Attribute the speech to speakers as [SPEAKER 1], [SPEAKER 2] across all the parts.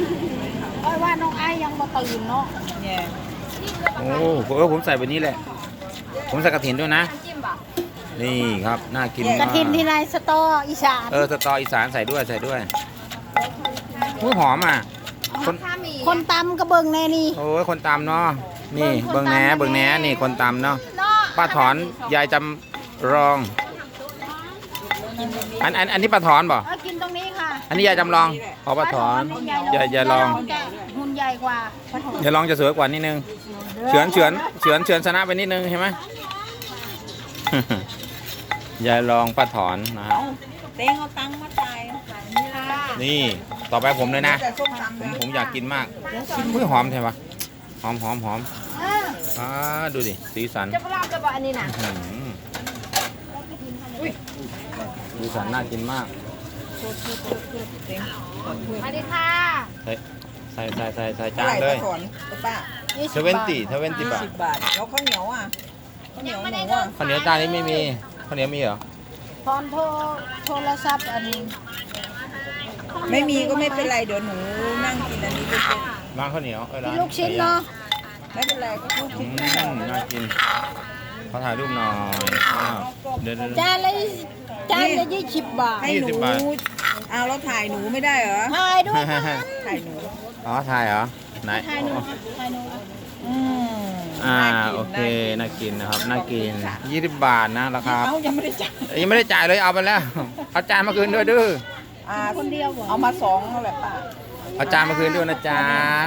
[SPEAKER 1] เพราะว่าน้องไอ้ยังมาตื่นเนาะ
[SPEAKER 2] เนี่ย
[SPEAKER 3] โอ้ผมใส่แบบนี้แหละผมใส่กระถินด้วยนะนี่ครับน่ากิน
[SPEAKER 1] ก
[SPEAKER 3] มา
[SPEAKER 1] ระ
[SPEAKER 3] ก
[SPEAKER 1] ถินที่ในสตออีสาน
[SPEAKER 3] สตออีสานใส่ด้วยอุ้ยหอมอ่ะคน
[SPEAKER 1] คนตำก็เบิ่งแน่นี่
[SPEAKER 3] โอ้ยคนตำเนาะนี่เบิ่งแหนนี่คนตำเนาะป้าถอนยายจำลองอันนี้ป้าถอนบ่
[SPEAKER 1] กินตรงนี้ค่ะ
[SPEAKER 3] อันนี้ยายจำลองอ๋อป้าถอนยายลอง
[SPEAKER 1] หุ่นใหญ่กว่าปลาถอน
[SPEAKER 3] ยายลองจะสวยกว่านิดนึงเฉือนชนะไปนิดนึงใช่ไหม ยายลองป้าถอนนะครับ
[SPEAKER 2] เต้งเอาตังค์มาจ่ายนี่ละ
[SPEAKER 3] นี่ต่อไปผมเลยนะ
[SPEAKER 2] แต่ส้มตำ
[SPEAKER 3] ผมอยากกินมากอุ้ยหอมใช่ปะหอมดูดิสีสัน
[SPEAKER 1] จะปลาจะบอกอันนี้นะ
[SPEAKER 3] อื้อหือสีสันน่ากินมาก
[SPEAKER 1] มาดิค่ะ
[SPEAKER 3] ใส่จานเลย
[SPEAKER 2] ถอนป้า
[SPEAKER 3] เทเวนตี้บาท
[SPEAKER 2] 10 บาทแล้วข้าวเหนียวอ่ะข้าวเหนียวหมูอ่ะ
[SPEAKER 3] ข้าวเหนียวจานนี้ไม่มีข้าวเหนียวมีเหรอ
[SPEAKER 1] ตอนโทรศัพท์อันนี้
[SPEAKER 2] ไม่มีก็ไม่เป็นไรเดี๋ยวหนูนั่งกินอันนี้ไปเป็น
[SPEAKER 3] ร้านข้าวเหนียวร้าน
[SPEAKER 1] ลูกชิ้นเนาะ
[SPEAKER 2] ไม่เป็นไรก็ลูก
[SPEAKER 3] อื
[SPEAKER 2] ชิ้น
[SPEAKER 3] มน่ากินขอถ่ายรูปหน่อยอ้าวเดี๋ยว
[SPEAKER 1] จานละ20 บาท
[SPEAKER 2] ให้หนู
[SPEAKER 3] 20 บาท
[SPEAKER 2] เอาแล้วถ่ายหนูไม่ได้เหรอ
[SPEAKER 1] ถ่ายด้วยกัน
[SPEAKER 2] ถ่ายหนู
[SPEAKER 3] อ๋อถ่ายเหรอไหน
[SPEAKER 1] ถ่ายหนูถ่ายหนู
[SPEAKER 2] อืม
[SPEAKER 3] โอเคน่ากินนะครับน่ากิน20 บาทนะราคา
[SPEAKER 2] เอ้ายังไม่ได้จ่าย
[SPEAKER 3] ยังไม่ได้จ่ายเลยเอาไปแล้วเอาจานมาคืนด้วยดื้อ
[SPEAKER 1] คนเดียวเหรอ
[SPEAKER 2] เอามา2นั่นแหละป้า
[SPEAKER 3] เอาจานมาคืนด้วยนะจ๊ะ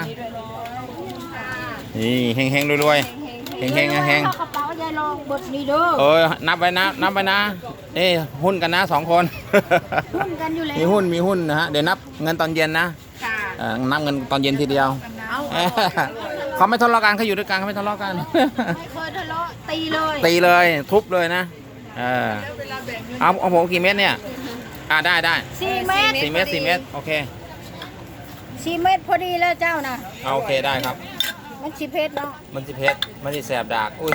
[SPEAKER 3] นี่เฮงรวยเฮง
[SPEAKER 1] เข้ากระเป๋ายายลองเบิดนี่เด้อ
[SPEAKER 3] เอ้ยนับไปนะหุ้นกันนะ2 คน
[SPEAKER 1] หุ้นกันอยู่แล้ว
[SPEAKER 3] มีหุ้นนะฮะเดี๋ยวนับเงินตอนเย็นนะ
[SPEAKER 2] ค่ะ
[SPEAKER 3] นับเงินตอนเย็นทีเดียว
[SPEAKER 2] เอา
[SPEAKER 3] เขาไม่ทะเลาะกันเขาอยู่ด้วยกันเขาไม่ทะเลาะกัน
[SPEAKER 1] ไม่เคยทะเลาะตีเลย
[SPEAKER 3] ตีเลยทุบเลยนะเอาผมกี่เม็ดเนี่ยได้
[SPEAKER 1] 4 เมตร
[SPEAKER 3] 4 เม็ดโอเค
[SPEAKER 1] 4 เมตรพอดีแล้วเจ้านะ
[SPEAKER 3] เอาโอเคได้ครับ
[SPEAKER 1] มันสิเพชรเนาะ
[SPEAKER 3] มันจะเพชรมันจะแสบดากอุ้ย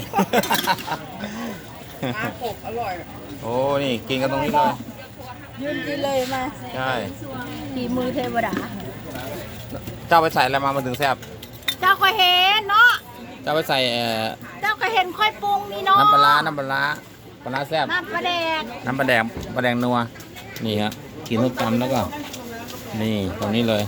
[SPEAKER 2] ปลากบอร่อย
[SPEAKER 3] โอ้นี่กินกันตรงนี้เลย
[SPEAKER 1] ยืนกินเลยมา
[SPEAKER 3] ใช่
[SPEAKER 1] ฝีมือเทวดา
[SPEAKER 3] เจ้าไปใส่อะไรมามันถึงแซ่บ
[SPEAKER 1] เจ้าก็เห็นเนาะ
[SPEAKER 3] เจ้าไปใส่
[SPEAKER 1] เจ้าก็เห็นค่อยปรุงนี่เนาะ
[SPEAKER 3] น้ำปลาร้าแซ่บ
[SPEAKER 1] น้ำปลาแดก
[SPEAKER 3] น้ำปลาแดงนัวนี่ครับกินทุกตำแล้วก็นี่ตรงนี้เลย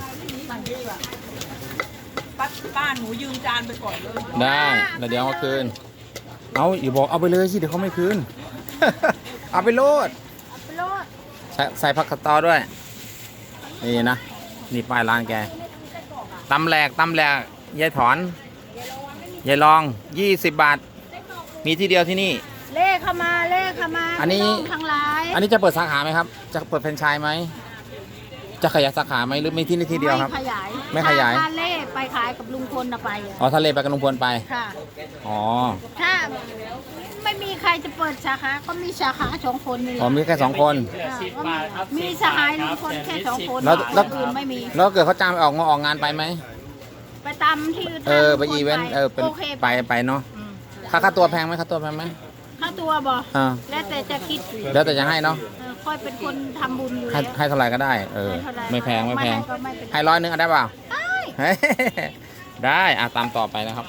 [SPEAKER 2] ป้าหนูยืมจานไปก่อนเลย
[SPEAKER 3] ได้แล้วเดี๋ยวเอามาคืนเอาอย่าบอกเอาไปเลยสิเดี๋ยวเขาไม่คืน เอาไปโลด
[SPEAKER 1] ไปโลด
[SPEAKER 3] ใส่ผักกาดตอด้วยนี่นะนี่ป้ายร้านแกตำแหลกยายถอนยายลอง20 บาท มีที่เดียวที่นี่
[SPEAKER 1] เล่เข้ามา
[SPEAKER 3] อันนี้
[SPEAKER 1] พี่งทั้งหลาย
[SPEAKER 3] อันนี้จะเปิดสาขาไหมครับ จะเปิดแฟรนไชส์ไหมจะขยายสาขาไหมหรือมีที่นี่ที่เดียวครับ
[SPEAKER 1] ไม่ขยาย
[SPEAKER 3] ไม่ขยาย
[SPEAKER 1] ถ้าเล่ไปขายกับลุงพลนะไปอะ
[SPEAKER 3] อ๋อทะเลไปกับลุงพลไป
[SPEAKER 1] ค่ะ
[SPEAKER 3] อ๋อ
[SPEAKER 1] ถ้าไม่มีใครจะเปิดสาขา ก็มีสาขา2 คนนี่แห
[SPEAKER 3] อ๋อ
[SPEAKER 1] ละ
[SPEAKER 3] มีแค่2 คน
[SPEAKER 1] มีสหายลุงพลแค่2 คน
[SPEAKER 3] แล้ว
[SPEAKER 1] คนอื่นไม่มี
[SPEAKER 3] แล้วเกิดเขาจ้างไปออกงานไปไหม
[SPEAKER 1] ไปตามที่
[SPEAKER 3] ไปอีเวนต์เป็น
[SPEAKER 1] โอเค
[SPEAKER 3] ไปเนาะ
[SPEAKER 1] อืม
[SPEAKER 3] ค่าตัวแพงไหมค่าตัวแพงไหม
[SPEAKER 1] ค่าตัวบ่
[SPEAKER 3] อ่า
[SPEAKER 1] แล้วแต่จะคิด
[SPEAKER 3] แล้วแต่จะให้เนาะ
[SPEAKER 1] ค่อยเป็นคนทำบุญอยู่
[SPEAKER 3] ให้
[SPEAKER 1] แล้ว
[SPEAKER 3] ให้เท่าไหร่ก็ได้
[SPEAKER 1] ให้เท่าไหร่
[SPEAKER 3] ไม่แพง
[SPEAKER 1] ก็ไม่เป็น
[SPEAKER 3] ให้100เอาได้เปล่า
[SPEAKER 1] ได้
[SPEAKER 3] เฮ้ย ได้ตามต่อไปนะครับ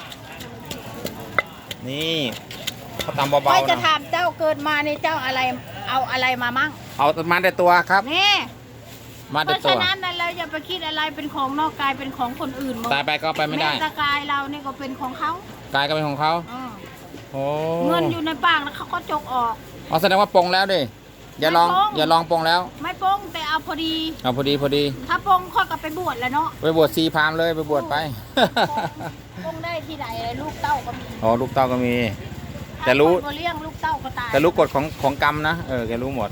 [SPEAKER 3] นี่เขาตามเบา
[SPEAKER 1] ค่อย
[SPEAKER 3] ๆ
[SPEAKER 1] จะ
[SPEAKER 3] นะ
[SPEAKER 1] ถามเจ้าเกิดมาในเจ้าอะไรเอาอะไรมามั่ง
[SPEAKER 3] เอามาแต่ตัวครับ
[SPEAKER 1] นี่
[SPEAKER 3] มา
[SPEAKER 1] เพ
[SPEAKER 3] แต่
[SPEAKER 1] ราะ
[SPEAKER 3] ตั
[SPEAKER 1] ฉะ
[SPEAKER 3] ว
[SPEAKER 1] นั้นเราอย่าไปคิดอะไรเป็นของนอกกายเป็นของคนอื่นหมด
[SPEAKER 3] ตายไปก็ไปไม่ได้
[SPEAKER 1] แตะกายเรานี่ก็เป็นของเขา
[SPEAKER 3] กายก็เป็นของเขา
[SPEAKER 1] อืม
[SPEAKER 3] โอ้
[SPEAKER 1] เงินอยู่ในปากแล้วเขาก็จกออก
[SPEAKER 3] อ๋อแสดงว่าปรงแล้วดิอย่าลอง
[SPEAKER 1] ไม่ปรง
[SPEAKER 3] อย่าลองปรงแล้ว
[SPEAKER 1] ไม่โป้งแต่เอาพอดี
[SPEAKER 3] เอาพอดี
[SPEAKER 1] ถ้าโป้งค่อยก็ไปบวชแล้วเนาะ
[SPEAKER 3] ไปบวชซีพราหมณ์เลยไปบวชไป
[SPEAKER 1] โป้งได้ที่ไหนลูกเต้าก็มี
[SPEAKER 3] อ๋อลูกเต้าก็มี แต่รู้
[SPEAKER 1] ถ้าคนบ่เลี้ยงลูกเต้าก็ตาย
[SPEAKER 3] แต่รู้กฎของกรรมนะแกรู้หมด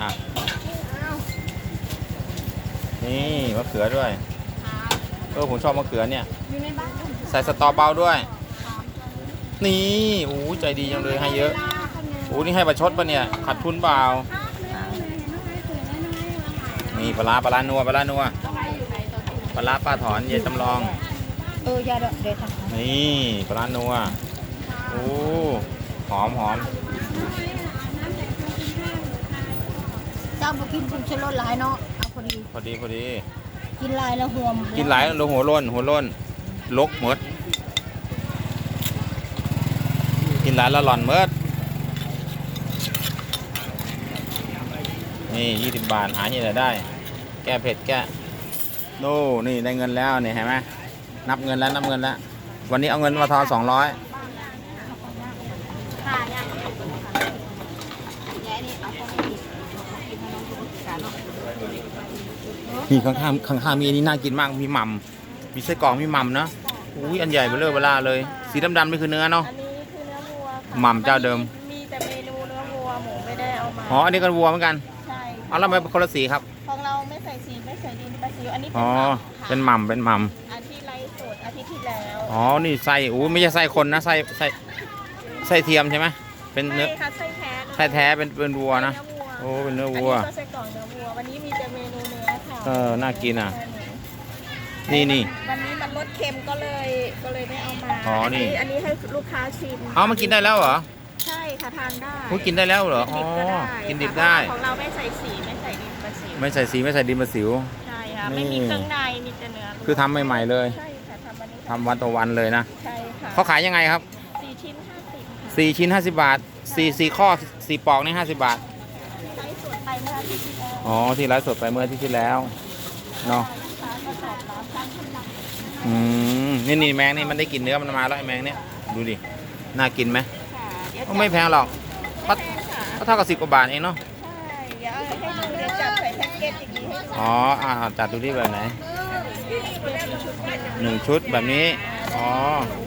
[SPEAKER 3] นี่มะเขือด้วยผมชอบมะเขือเนี่ย
[SPEAKER 1] อยู่ในบ้าน
[SPEAKER 3] ใส่สตอเบาด้วย นี่โอ้ใจดีจังเลยให้เยอะโอ้นี่ให้ประชดปะเนี่ยขาดทุนเปล่านี่ปลาร้านัวปลาร้าป้าถอนเยจำลอง
[SPEAKER 1] ยาเด็ดทำ
[SPEAKER 3] นี่ปลาร้านัวโอ้หอม
[SPEAKER 1] เจ้าบุกินคุณชะลดหลายเนาะเอาพอดี
[SPEAKER 3] พอดี
[SPEAKER 1] กินลายแล้วห่วม
[SPEAKER 3] กินหลายลงหัวโล้นลกหมดกินหลายแล้วหล่อนเมิดนี่20 บาทหาที่ไหนได้ แก้เผ็ดแก้โน่นี่ได้เงินแล้วนี่เห็นไหมนับเงินแล้ววันนี้เอาเงินมาทอน200นี่ข้างมีอันนี้น่ากินมากมีหม่ำมีไส้กรอกมีหม่ำนะอุ้ยอันใหญ่เบลอเลยสีดำๆนี่คือเนื้อเนาะ
[SPEAKER 4] อันนี้คือเนื้อวัวค่ะ
[SPEAKER 3] หม่ำเจ้าเดิม
[SPEAKER 4] มีแต่เมนูเนื้อวัวหมูไม่ได้เอามา
[SPEAKER 3] อ๋ออันนี้ก็วัวเหมือนกัน
[SPEAKER 4] ใช่
[SPEAKER 3] เอาแล้วทำไมเป็นคนละสีครับ
[SPEAKER 4] ของเราไม่ใส่สีไม่ใส่ดินปลาซิวอันนี้
[SPEAKER 3] อ๋อ
[SPEAKER 4] เป็
[SPEAKER 3] เป็น น
[SPEAKER 4] ห
[SPEAKER 3] ห
[SPEAKER 4] ม่ำ
[SPEAKER 3] ม่ำเป็นหม่
[SPEAKER 4] ค่ะอาทิตย์ไรสดอาทิตย์ที่แล้ว
[SPEAKER 3] ำอ๋อนี่ไส้อู้ไม่ใช่ไส้คนนะไส้เทียมใช่ไหมเป็นเนื้อ
[SPEAKER 4] ใช่ค่ะไส้แท้เลย
[SPEAKER 3] ไส้แท้เป็นวัวนะโอ้เป็นเนื้อวัว
[SPEAKER 4] อันนี้ก็ไส้กรอกเนื้อวัววันนี้มีแต่เมนูเนื้อค่ะ
[SPEAKER 3] น่ากินอ่ะนี่
[SPEAKER 4] วันนี้มันลดเค็มก็เลยไม่เอามา
[SPEAKER 3] อ๋อนี่
[SPEAKER 4] อันนี้ให้ลูกค้าชิม
[SPEAKER 3] เอามากินได้แล้วเหรอ
[SPEAKER 4] ใช่ค่ะทานได้
[SPEAKER 3] พูดกินได้แล้วเหรออ๋อกินดิบได้
[SPEAKER 4] ของเราไม่ใส่สีไม่ใส่ดินปลาซิว
[SPEAKER 3] ไม่ใส่สีไม่ใส่ดินมาสิว
[SPEAKER 4] ใช่ค่ะ
[SPEAKER 3] นี่
[SPEAKER 4] ไม่มีเครื่องในมีแต่เนื้อ
[SPEAKER 3] คือทำใหม่ๆเลย
[SPEAKER 4] ใช่ค่ะทำวันนี้
[SPEAKER 3] ทำวันต่อวันเลยนะ
[SPEAKER 4] ใช่ค่ะ
[SPEAKER 3] เขาขายยังไงครับ
[SPEAKER 4] 4 ชิ้น 50 ค่ะ
[SPEAKER 3] 4 ชิ้น 50 บาท4ข้อ4ปอกนี่50 บาท
[SPEAKER 4] ไลฟ์สดไปเมื่ออาทิตย์ที่แล้ว
[SPEAKER 3] อ๋อที่ไลฟ์สดไปเมื่ออาทิตย์ที่แล้วเนาะ
[SPEAKER 4] ลูกค้าก็ตอบรับการทำรับ
[SPEAKER 3] นี่แมงนี่มันได้กลินเนื้อมันมาแล้วไอ้แมงเนี่ยดูดิน่ากินไหม
[SPEAKER 4] ค่ะเดี๋ยว
[SPEAKER 3] ก็ไม่แพงหรอก
[SPEAKER 4] ไม่แพงค่ะ
[SPEAKER 3] ก็เท่ากับ10 กว่าบาทเองเนาะ
[SPEAKER 4] ใช่เดี๋ยวให้ดูเดี๋ยวจับใส่แพ็กเกจอย่างนี้ให้ดู
[SPEAKER 3] อ๋อจัดดูที่แบบไหน
[SPEAKER 4] เป็นชุดเดียว
[SPEAKER 3] 1 ชุดแบบนี้อ๋อ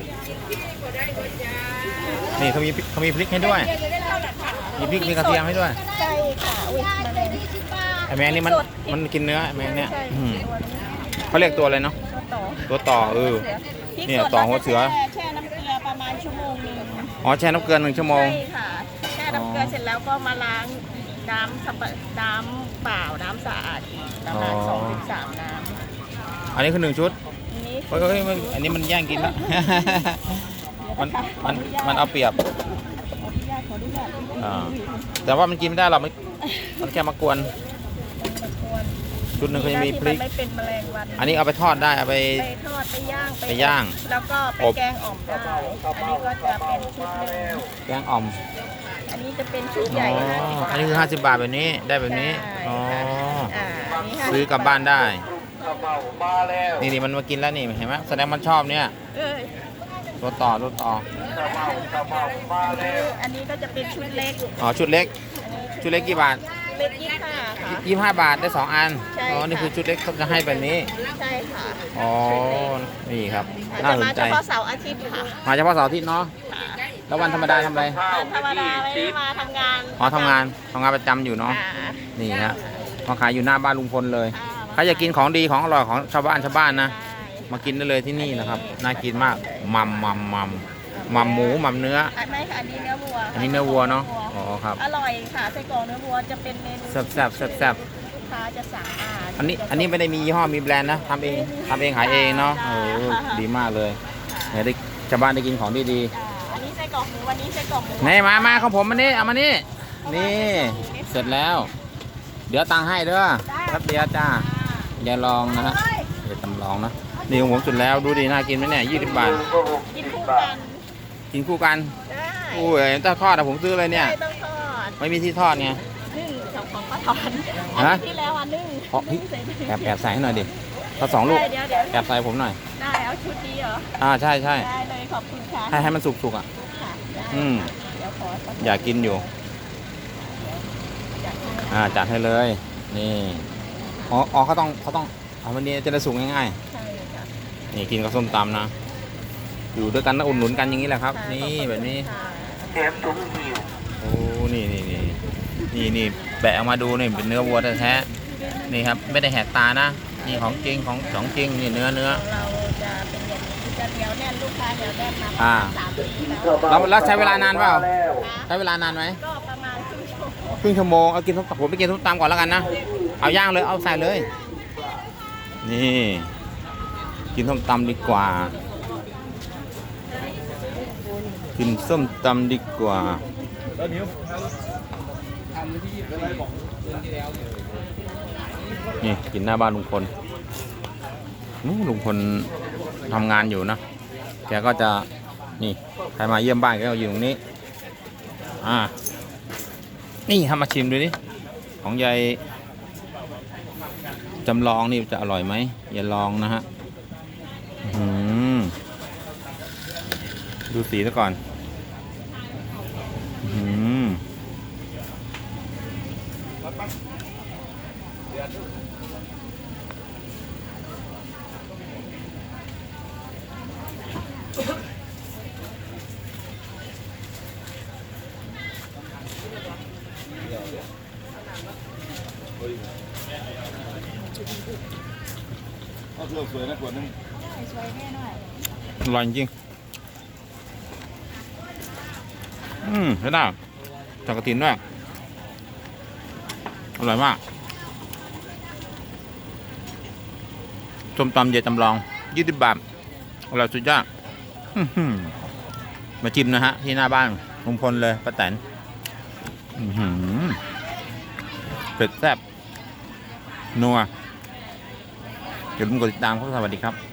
[SPEAKER 3] นี่เขามีพริกให้ด้วยมีพริกมีกระเทียมให้ด้วย
[SPEAKER 4] ใช่ค่ะอุ้ยมาเลย
[SPEAKER 3] ไอ้แมงนี่มันกินเนื้อไอ้แมงเนี่ย
[SPEAKER 4] ใช่
[SPEAKER 3] อืม
[SPEAKER 4] ตัวนี้ค่ะ
[SPEAKER 3] เขาเรียกตัวอะไรเนาะ
[SPEAKER 4] ตัวต่อ
[SPEAKER 3] ตัวต่อ
[SPEAKER 4] พริก
[SPEAKER 3] เนี่ย
[SPEAKER 4] สด
[SPEAKER 3] ต่อหัวเสือ
[SPEAKER 4] แช่น้ำเกลือประมาณชั่วโมงหนึง
[SPEAKER 3] อ๋อแช่น้ำเกลือ1 ชั่วโมง
[SPEAKER 4] ใช่ค่ะแช่น้ำเกลือเสร็จแล้วก็มาล้างน้ำเปล่าน้ำสะอาดอีกประมาณ
[SPEAKER 3] อ๋อ
[SPEAKER 4] 2-3 น้ำ
[SPEAKER 3] อันนี้คือ 1 ชุด
[SPEAKER 4] อันนี้
[SPEAKER 3] เฮ้ยอันนี้มันแย่งกินแล้ว มันเอาเปรียบ
[SPEAKER 4] ขออนุญาต
[SPEAKER 3] อ่าแต่ว่ามันกินไม่ได้หรอกมันแค่มากวน ชุดหนึ่งเขาจะมีพริก
[SPEAKER 4] ที่นไม่เป็นแมลงวัน
[SPEAKER 3] อันนี้เอาไปทอดได้เอาไป
[SPEAKER 4] ไปทอดไปย่าง
[SPEAKER 3] ไปย่าง
[SPEAKER 4] แล้วก็ไป
[SPEAKER 3] อบ
[SPEAKER 4] แกงอ่อมได้ อันนี้ก็จะเป็นชุดหนึ่ง
[SPEAKER 3] แกงอ่อม
[SPEAKER 4] อันนี้จะเป็นชุด
[SPEAKER 3] อ๋
[SPEAKER 4] ใหญ่
[SPEAKER 3] ออันนี้คือ50 บาทแบบนี้ได้แบบนี้อ๋อ
[SPEAKER 4] อันนี้50
[SPEAKER 3] ซื้อกลับบ้านได้ นี่มันมากินแล้วนี่เห็นไหมแสดงมันชอบเนี่ย
[SPEAKER 4] เอ้ย
[SPEAKER 3] ตัวต่อ
[SPEAKER 4] อันนี้ก็จะเป็นชุดเล็ก
[SPEAKER 3] อ๋อชุดเล็ก ชุดเล็กกี่บาท
[SPEAKER 4] เล็ก25ค่ะ
[SPEAKER 3] 25 บาทได้2 อัน
[SPEAKER 4] ใช่
[SPEAKER 3] อ๋อนี่
[SPEAKER 4] ค่ะ
[SPEAKER 3] คือชุดเล็กเขาจะให้แบบนี้
[SPEAKER 4] ใช่ค่ะ
[SPEAKER 3] อ๋อนี่ครับน่า
[SPEAKER 4] จะ
[SPEAKER 3] สน
[SPEAKER 4] มา
[SPEAKER 3] ใจ
[SPEAKER 4] เฉพาะเสาร์อาทิตย์ค่ะ
[SPEAKER 3] มาเฉพาะเสาร์อาทิตย์เนาะแล้ววันธรรมดาทำอะไร
[SPEAKER 4] วันธรรมดาไม่ได้มาทำงาน
[SPEAKER 3] อ๋อทำงานประจำอยู่เนาะ
[SPEAKER 4] ค่ะ
[SPEAKER 3] นี่ฮะมาขายอยู่หน้าบ้านลุงพลเลย
[SPEAKER 4] อ่า
[SPEAKER 3] ใครอยากกินของดีของอร่อยของชาวบ้านนะ
[SPEAKER 4] ใช่
[SPEAKER 3] มากินได้เลยที่นี่นะครับ น่ากินมากมัมหมูมัมเนื้อ
[SPEAKER 4] ไม่ค่ะอันนี้เนื้อวัว
[SPEAKER 3] อันนี้เนื้อวัวเนาะ อ๋อครับ
[SPEAKER 4] อร่อยค่ะไส้กรอกเนื้อวัวจะเป็นเมนู
[SPEAKER 3] แซ่บ
[SPEAKER 4] ลูกค้าจะสั่งมา
[SPEAKER 3] อันนี้ไม่ได้มียี่ห้อมีแบรนด์นะทำเองขายเองเนาะดีมากเลยเนี่ยได้ชาวบ้านได้กินของดี
[SPEAKER 4] อันนี้ไส้กรอกหมูวันนี้ไส้กรอกหมู
[SPEAKER 3] ๆนี่มาของผมมานี่เอามานี่นี่เสร็จแล้ว เดี๋ยวตังค์ให้เด้อครับเดียวจ้าอย่าลองนะฮะอย่าตำลองนะนี่ของผมสุดแล้วดูดีน่ากินไหมเนี่ย20 บาท
[SPEAKER 4] กินคู่กัน
[SPEAKER 3] กินคู่กัน
[SPEAKER 4] ได้
[SPEAKER 3] โอ้ยถ้าทอดอะผมซื้อเลยเนี่ย
[SPEAKER 4] ไม่ต้องทอด
[SPEAKER 3] ไม่มีที่ทอดไง
[SPEAKER 4] นึ่งของก็ทอดอัน
[SPEAKER 3] ฮะ
[SPEAKER 4] ที่แล้วอันนึ่ง
[SPEAKER 3] เพราะ
[SPEAKER 4] นึ่งใส่ถุง
[SPEAKER 3] แอบใส่ให้หน่อยดิถ้า2 ลูก
[SPEAKER 4] เดี๋ยว
[SPEAKER 3] แอบใส่ผมหน่อย
[SPEAKER 4] ได้เอาชุดนี้เหรอ
[SPEAKER 3] ใช่
[SPEAKER 4] ได้เลยขอบคุณค่ะ
[SPEAKER 3] ให้มันสุกๆอ่ะ
[SPEAKER 4] ค่ะได้
[SPEAKER 3] อืม
[SPEAKER 4] เดี๋ยวขอสัก
[SPEAKER 3] อยากกินอยู่ จัดให้เลย นี่อ๋อเขาต้องเอาวันนี้จะได้สุกง่าย
[SPEAKER 4] ใช่ค่ะ
[SPEAKER 3] ๆนี่กินกับส้มตำนะอยู่ด้วยกันนะอุ่นหนุนกันอย่างนี้แหละครับ นี่แบบนี้
[SPEAKER 4] ค่ะ
[SPEAKER 3] โอ้นี่แบะออกมาดูนี่เป็นเนื้อวัวแท้ๆนี่ครับไม่ได้แหกตานะนี่ของจริงของจริงนี่เนื้อ
[SPEAKER 4] เราจะเป็นอย่างนี้จะเหนียวแน่นลูกค้าเหนียวแน่นมา
[SPEAKER 3] อ่า
[SPEAKER 4] 3 ปีแล้ว
[SPEAKER 3] แล้วใช้เวลานานเปล่าใช้เวลานานไหม
[SPEAKER 4] ก็ประมาณครึ่งชั่วโมง
[SPEAKER 3] ครึ่งชั่วโมงเอากินผมไปกินส้มตำก่อนแล้วกันนะเอาย่างเลยเอาใส่เลย นี่กินส้มตำดีกว่า กินส้มตำดีกว่านี่กินหน้าบ้านลุงพลลุงพลทำงานอยู่นะแกก็จะนี่ใครมาเยี่ยมบ้านแกก็อยู่ตรงนี้นี่ทำมาชิมดูดิของยายจำลองนี่จะอร่อยไหมอย่าลองนะฮะดูสีซะก่อน
[SPEAKER 5] เอาเสื้อสวยนะขวดนึง
[SPEAKER 3] อร่อยจริงใช่ได้จากกระถินด้วยอร่อยมากส้มตำเยจำลอง20 บาทอร่อยสุดยอดมาชิมนะฮะที่หน้าบ้านลุงพลเลยป้าแตนเป็ดแซ่บนัวอย่าลืมกดติดตามครับสวัสดีครับ